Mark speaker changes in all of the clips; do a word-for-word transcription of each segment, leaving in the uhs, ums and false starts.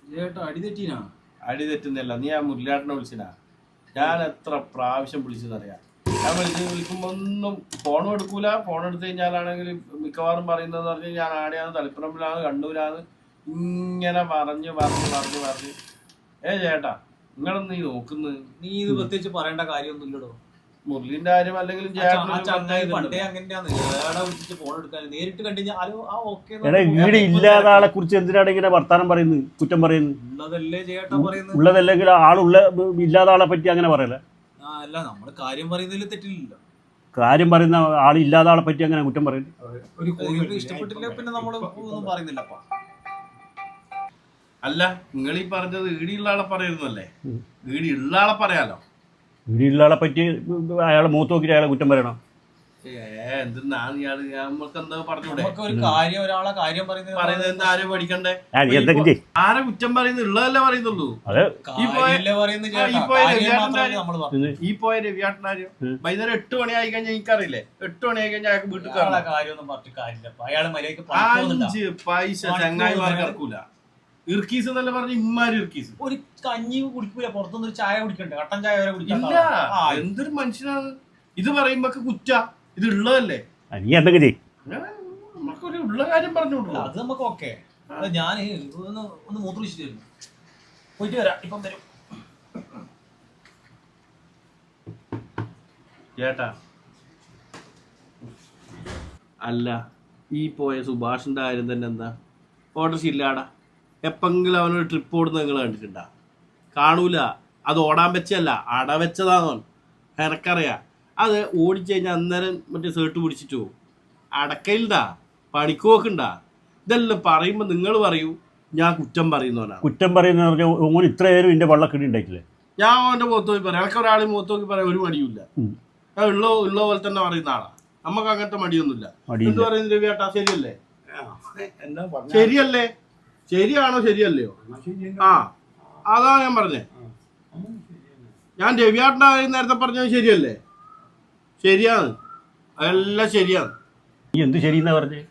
Speaker 1: അടി തെറ്റുന്നില്ല. നീ ആ മുരളിയാട്ടനെ വിളിച്ചിനാ? ഞാൻ എത്ര പ്രാവശ്യം വിളിച്ചതറിയാം. ഞാൻ വിളിച്ച് വിളിക്കുമ്പോ ഒന്നും ഫോണും എടുക്കൂല. ഫോൺ എടുത്തു കഴിഞ്ഞാലാണെങ്കിൽ മിക്കവാറും പറയുന്നത് പറഞ്ഞ് ഞാൻ ആടെയാണ്, തളിപ്പറമ്പിലാണ്, കണ്ണൂരാണ്, ഇങ്ങനെ പറഞ്ഞു പറഞ്ഞു പറഞ്ഞു പറഞ്ഞു. ഏ ചേട്ടാ, നിങ്ങളൊന്നും നീ നോക്കുന്നത്?
Speaker 2: നീ ഇത് പ്രത്യേകിച്ച് പറയേണ്ട കാര്യമൊന്നുമില്ലടോ.
Speaker 1: മുരളിന്റെ കാര്യം അല്ലെങ്കിലും
Speaker 3: വീട് ഇല്ലാത്ത ആളെ കുറിച്ച് എന്തിനാണ് ഇങ്ങനെ വർത്താനം പറയുന്നത്, കുറ്റം പറയുന്നത്? ഉള്ളതല്ലെങ്കിൽ ആളുള്ള ഇല്ലാത്ത ആളെ പറ്റി അങ്ങനെ പറയല.
Speaker 2: അല്ല, നമ്മള് കാര്യം പറയുന്നതിൽ തെറ്റില്ലല്ലോ.
Speaker 3: കാര്യം പറയുന്ന ആളില്ലാത്ത ആളെ പറ്റി അങ്ങനെ കുറ്റം പറയുന്നത്
Speaker 2: ഇഷ്ടപ്പെട്ടില്ല, പിന്നെ നമ്മള് ഒന്നും പറയുന്നില്ലപ്പാ.
Speaker 1: അല്ല, നിങ്ങൾ ഈ പറഞ്ഞത് ഈടിയുള്ള ആളെ പറയുന്നല്ലേ? ഈടിയുള്ള ആളെ പറയാലോ.
Speaker 3: വീടിലുള്ള ആളെ പറ്റി അയാളെ മൂത്ത് നോക്കിയിട്ട് അയാളെ കുറ്റം പറയണം.
Speaker 1: ആരെ പഠിക്കണ്ടേ? ആരെ കുറ്റം പറയുന്നത്? ഉള്ളതല്ലേ പറയുന്നുള്ളൂ. ഈ പോയ രവിയാട്ടനാരോ വൈകുന്നേരം എട്ട് മണി ആയി കഴിഞ്ഞാൽ എനിക്കറിയില്ലേ, എട്ട് മണി ആയി കഴിഞ്ഞാൽ അയാൾക്ക് വീട്ടിൽ അഞ്ച് പൈസ ചങ്ങായിമാർക്ക് ഇറക്കൂല. ഇർക്കീസ് എന്നല്ല പറഞ്ഞ ഇമ്മാരി ഇർക്കീസ്.
Speaker 2: ഒരു കഞ്ഞി കുടിക്കൂല, പുറത്തുനിന്ന് ചായ കുടിക്കണ്ടേ? കട്ടൻ ചായ വരെ കുടിക്കില്ല.
Speaker 1: എന്തൊരു മനുഷ്യനാണ് ഇത് പറയുമ്പോ കുറ്റ. ഇത് ഉള്ളതല്ലേ?
Speaker 3: നീ എന്തൊക്കെ ചെയ്യും?
Speaker 1: നമുക്കൊരു ഉള്ള കാര്യം പറഞ്ഞോളൂ.
Speaker 2: അത് നമുക്ക് ഓക്കെ. ഞാൻ ഒന്ന് ഒന്ന് മൂത്രിച്ചിട്ട് വരുന്നു, പോയിട്ട് വരാം. ഇപ്പം വരും
Speaker 1: ചേട്ടാ. അല്ല, ഈ പോയ സുഭാഷിന്റെ കാര്യം തന്നെ എന്താ? ഓർഡർ ഇല്ലാടാ. എപ്പെങ്കിലും അവനൊരു ട്രിപ്പ് ഓടുന്നത് നിങ്ങൾ കണ്ടിട്ടുണ്ടാ? കാണൂല. അത് ഓടാൻ വെച്ചല്ല, അട വെച്ചതാണോ എനക്കറിയാം. അത് ഓടിച്ചു കഴിഞ്ഞാൽ അന്നേരം മറ്റേ സേർട്ട് പിടിച്ചിട്ട് പോകും. അടക്കയിൽണ്ടാ, പണിക്ക് പോക്കുണ്ടാ. ഇതെല്ലാം പറയുമ്പോൾ നിങ്ങൾ പറയൂ ഞാൻ കുറ്റം പറയുന്നവനാണ്.
Speaker 3: കുറ്റം പറയുന്ന പറഞ്ഞാൽ ഇത്ര നേരം എൻ്റെ വള്ളക്കിടി ഉണ്ടായിട്ടില്ലേ?
Speaker 1: ഞാൻ അവൻ്റെ മുഖത്ത് നോക്കി പറയാം. എനിക്ക് ഒരാളെ മുഖത്ത് നോക്കി പറയാൻ ഒരു മടിയില്ല. ഞാൻ ഉള്ള ഉള്ള പോലെ തന്നെ പറയുന്ന ആളാ. നമുക്ക് അങ്ങനത്തെ മടിയൊന്നുമില്ല. എന്ത് പറയുന്നത് രവിയേട്ടാ? ശരിയല്ലേ? ശരിയല്ലേ? ശരിയാണോ ശരിയല്ലയോ? ആ, അതാ ഞാൻ പറഞ്ഞേ. ഞാൻ രവിയാട്ടൻ്റെ കാര്യം നേരത്തെ പറഞ്ഞത് ശരിയല്ലേ? ശരിയാണ്, അതെല്ലാം ശരിയാണ്.
Speaker 3: നീ എന്ത് ശരിയെന്നാ പറഞ്ഞേ?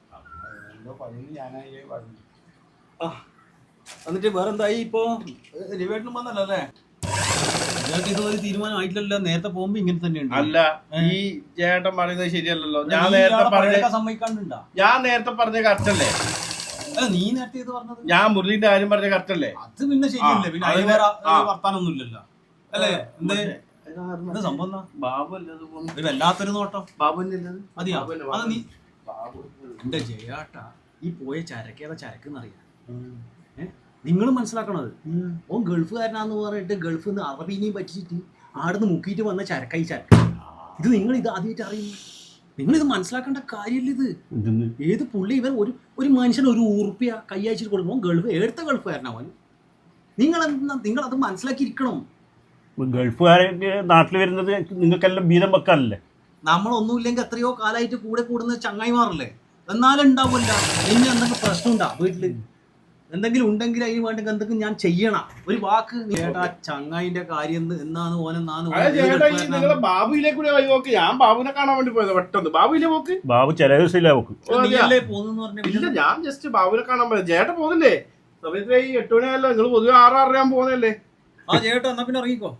Speaker 2: എന്നിട്ട് വേറെന്തായി? ഇപ്പൊ രവിയേട്ടനും വന്നല്ലോ അല്ലേ? ഇതൊരു തീരുമാനം ആയിട്ടില്ലല്ലോ. നേരത്തെ പോകുമ്പോ ഇങ്ങനെ തന്നെയുണ്ട്.
Speaker 1: അല്ല, ഈ ചേട്ടൻ പറയുന്നത് ശരിയല്ലല്ലോ. ഞാൻ നേരത്തെ പറഞ്ഞ
Speaker 2: സമ്മതിക്കാണ്ടുണ്ടാ?
Speaker 1: ഞാൻ നേരത്തെ പറഞ്ഞ കറക്റ്റല്ലേ?
Speaker 2: നീ നേരത്തെ ഇത് പറഞ്ഞത്?
Speaker 1: ഞാൻ മുരളിന്റെ കാര്യം പറഞ്ഞ കറക്റ്റല്ലേ?
Speaker 2: അത് പിന്നെ ശരിയല്ലേ? പിന്നെ അതിന് വേറെ വർത്താനൊന്നും ഇല്ലല്ലോ അല്ലേ? എന്ത് സംഭവം?
Speaker 1: ബാബു
Speaker 2: വല്ലാത്തൊരു നോട്ടം.
Speaker 1: ബാബുന്റെ
Speaker 2: അതെയാ? അത് നീ എന്റെ ജയാട്ടാ, ഈ പോയ ചരക്കേതാ ചരക്കെന്നറിയാം. ഏഹ്, നിങ്ങൾ മനസ്സിലാക്കണത്. ഓൻ ഗൾഫുകാരനാന്ന് പറഞ്ഞിട്ട് ഗൾഫിൽ നിന്ന് അറബീനെയും പറ്റിച്ചിട്ട് ആടുന്ന് മുക്കിയിട്ട് വന്ന ചരക്കായി ചരക്ക്. ഇത് നിങ്ങൾ ഇത് ആദ്യമായിട്ട് അറിയുന്നു. നിങ്ങളിത് മനസ്സിലാക്കേണ്ട കാര്യമില്ല. ഇത് ഏത് പുള്ളി ഇവർ ഒരു ഒരു മനുഷ്യന് ഒരു ഉറുപ്പ്യ കൈയച്ചിട്ട് കൊടുക്കുമ്പോൾ ഗൾഫ് എടുത്ത ഗൾഫുകാരനാവാൻ നിങ്ങൾ എന്താ നിങ്ങൾ അത് മനസ്സിലാക്കിയിരിക്കണം.
Speaker 3: ഗൾഫുകാരൻ നാട്ടിൽ വരുന്നത് നിങ്ങൾക്കെല്ലാം ബീതം വെക്കാനല്ലേ?
Speaker 2: നമ്മളൊന്നുമില്ലെങ്കിൽ എത്രയോ കാലമായിട്ട് കൂടെ കൂടുന്ന ചങ്ങായിമാറല്ലേ? എന്നാലും ഉണ്ടാവില്ല. ഇനി എന്തൊക്കെ പ്രശ്നം ഉണ്ടാ വീട്ടില്? എന്തെങ്കിലും ഉണ്ടെങ്കിൽ അതിന് വേണ്ടി എന്തെങ്കിലും ഞാൻ ചെയ്യണം. ഒരു വാക്ക് ചേട്ടാ, ചങ്ങായിന്റെ കാര്യം എന്നാണ് ഓനെന്നാണ്.
Speaker 1: ബാബുയിലെ കൂടെ നോക്കി. ഞാൻ ബാബുവിനെ കാണാൻ വേണ്ടി പോയത് പെട്ടെന്ന്. ബാബുയിലെ പോക്ക്?
Speaker 3: ബാബു ചില ദിവസമില്ല പോക്ക്.
Speaker 1: ഇല്ല, ഞാൻ ജസ്റ്റ് ബാബുവിനെ കാണാൻ പോയത്. ചേട്ടൻ പോകുന്നില്ലേ? സമയത്ത് ഈ എട്ട് മണിയല്ലോ. നിങ്ങൾ പൊതുവെ ആറ് ആറര ഞാൻ പോകുന്നല്ലേ?
Speaker 2: ആ ചേട്ടാ, എന്നാ പിന്നെ ഇറങ്ങിക്കോ.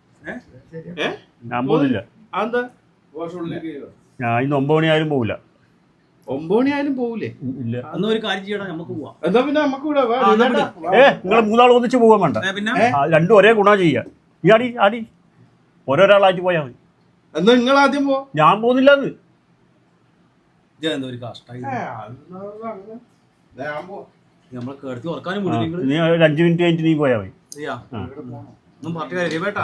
Speaker 3: ഞാൻ പോകുന്നില്ല.
Speaker 1: അതെന്താ?
Speaker 3: ഞാൻ ഇന്ന് ഒമ്പത് മണി ആയാലും പോകില്ല.
Speaker 1: ഒമ്പത് മണി ആയാലും പോകൂലേ?
Speaker 3: ഇല്ല.
Speaker 2: എന്നാ ഒരു കാര്യം ചെയ്യണം, നമുക്ക് പോവാം.
Speaker 1: എന്താ പിന്നെ നമുക്ക്
Speaker 3: ഏ നിങ്ങൾ മൂന്നാൾ ഒന്നിച്ച് പോകാൻ വേണ്ട. രണ്ടും ഒരേ ഗുണ ചെയ്യാ. ഈ ആടി ആടി ഓരോരാളായിട്ട് പോയാൽ മതി.
Speaker 1: എന്നാ നിങ്ങൾ ആദ്യം പോ.
Speaker 3: ഞാൻ പോകുന്നില്ല. അത്
Speaker 2: ഒരു കഷ്ടമായി. നമ്മളെ കേടത്തി ഉറക്കാനും
Speaker 3: നീ ഒരു അഞ്ചു മിനിറ്റ് കഴിഞ്ഞിട്ട് നീ പോയാൽ മതി.
Speaker 2: ഒന്നും പറഞ്ഞ കാര്യം വേട്ടാ.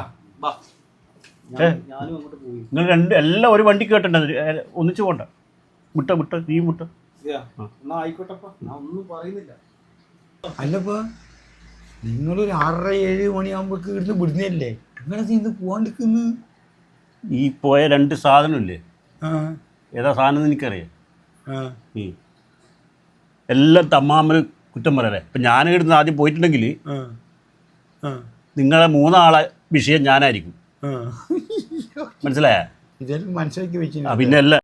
Speaker 3: നിങ്ങൾ രണ്ട് എല്ലാം ഒരു വണ്ടി കേട്ടണ്ട, ഒന്നിച്ച് പോണ്ട. മുട്ട മുട്ട നീ മുട്ട.
Speaker 2: ആയിക്കോട്ടെപ്പാ, ഞാൻ ഒന്നും പറയുന്നില്ല.
Speaker 4: അല്ലപ്പാ, നിങ്ങളൊരു ആറര ഏഴ് മണിയാകുമ്പോഴേക്ക് ഇവിടുന്ന് വിടുന്നല്ലേ? നിങ്ങളെ ഇന്ന് പോവാണ്ടിരിക്കുന്നു.
Speaker 3: ഈ പോയ രണ്ട് സാധനമില്ലേ, ഏതാ സാധനം എനിക്കറിയാം. ഈ എല്ലാം തമ്മാമന് കുറ്റം പറയല്ലേ. ഇപ്പം ഞാൻ ഇവിടുന്ന് ആദ്യം പോയിട്ടുണ്ടെങ്കിൽ നിങ്ങളെ മൂന്നാളെ വിഷയം ഞാനായിരിക്കും. മനസ്സിലായ?
Speaker 4: ഇതെല്ലാം മനസ്സിലാക്കി വെച്ചു.
Speaker 3: പിന്നെ അല്ല